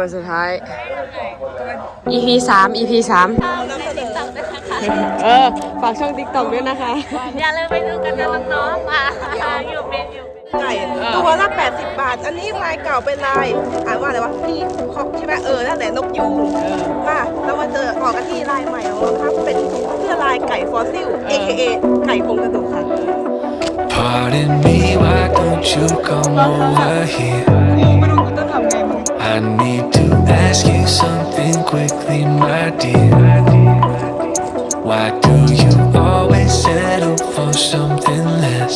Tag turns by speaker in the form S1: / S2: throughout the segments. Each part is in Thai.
S1: วันสุดท้าย EP 3 EP 3ฝากช่อง TikTok ด้วยนะคะ
S2: อย่าลืมไปดูกันนะน้องๆอยู่เป็น
S3: ไก่ตัวละ80 บาทอันนี้ลายเก่าเป็นลายอ่านว่าอะไรวะพี่คอกใช่ไหมนั่นแหละนกยูงค่ะแล้วมาเจอออกกันที่ลายใหม่ของเราครับเป็นเสื้อลายไก่ฟอสซิล AKA ไก่โครงกระดูกค่ะ
S4: Pardon me, why don't you come over here? I need to ask you something quickly, my dear. Why do you always settle for something less?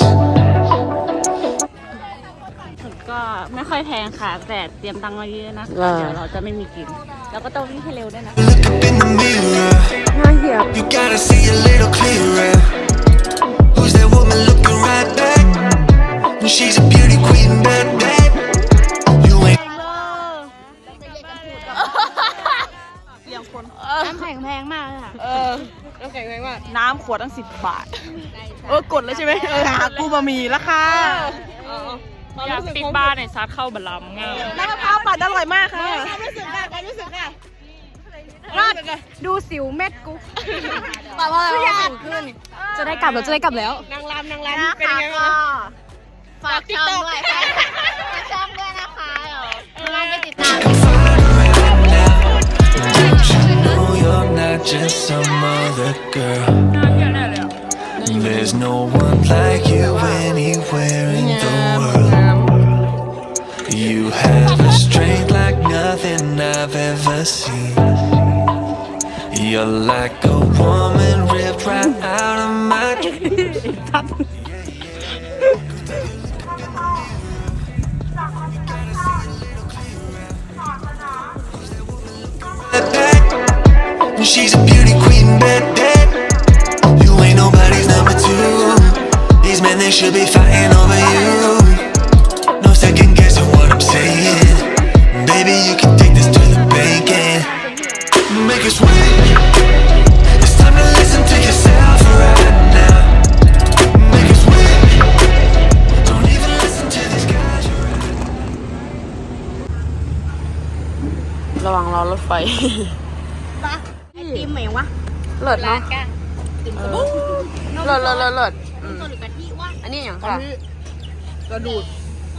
S2: ก็ไม่ค่อยแพงค่ะแต่เตรียมตังค์มาเยอะนะเดี๋ยวเราจะไม่มีกินแล้วก็ต้องวิ่งให้เร็วด้วยนะ
S4: Look up in the mirror. You gotta see a little clearer. Who's that woman looking right back? She's a beauty queen, bad, bad. You ain't.
S2: น้ำแข็งแพงมากเลยค่ะ
S3: น้ำแข็งแพงมากน้ำขวดตั้ง10 บาทกดเลยใช่ไหมกูบะหมี่ราคา
S2: อยากปิดบ้านในซัดเข้าบะลำไง
S3: น้ำมะพร้าวปั่นอร่อยมากค่ะความรู้สึกค่ะดูสิวเม็ดกูแต่ว่าอะไรวะขึ้น
S1: จะได้กลับแล้วจะได้กลับแล้ว
S3: นางรำเป็นยังไงบ้าง
S2: ฝากช่องด้วยฝากช่องด้วยนะคะเดี๋ยวเราไปติดตาม
S4: Don't you know you're not just some other girl? There's no one like you anywhere in the world. You have a strength like nothing I've ever seen. You're like a woman ripped right out of my dreams. She's a beauty queen, bad, bad. You ain't nobody's number two. These men, they should be fighting over you. No second guessing what I'm saying. Baby, you can take this to the bank and make us win. It's time to listen to yourself right now. Make us win. Don't even listen to these guys.
S1: ระวังรอรถไฟ
S2: ทีมไหมวะ
S1: เลิศเนาะเลิศ
S2: ตัวหรือกะทิวะ
S1: อันนี้อย่างค่ะ
S3: กระดูด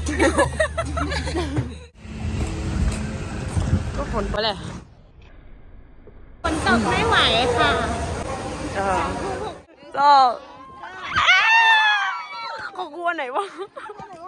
S1: ก็ผลไปเลย
S2: ฝนตกไม่ไหวค่ะ
S1: ก็เขากลัวไหนวะ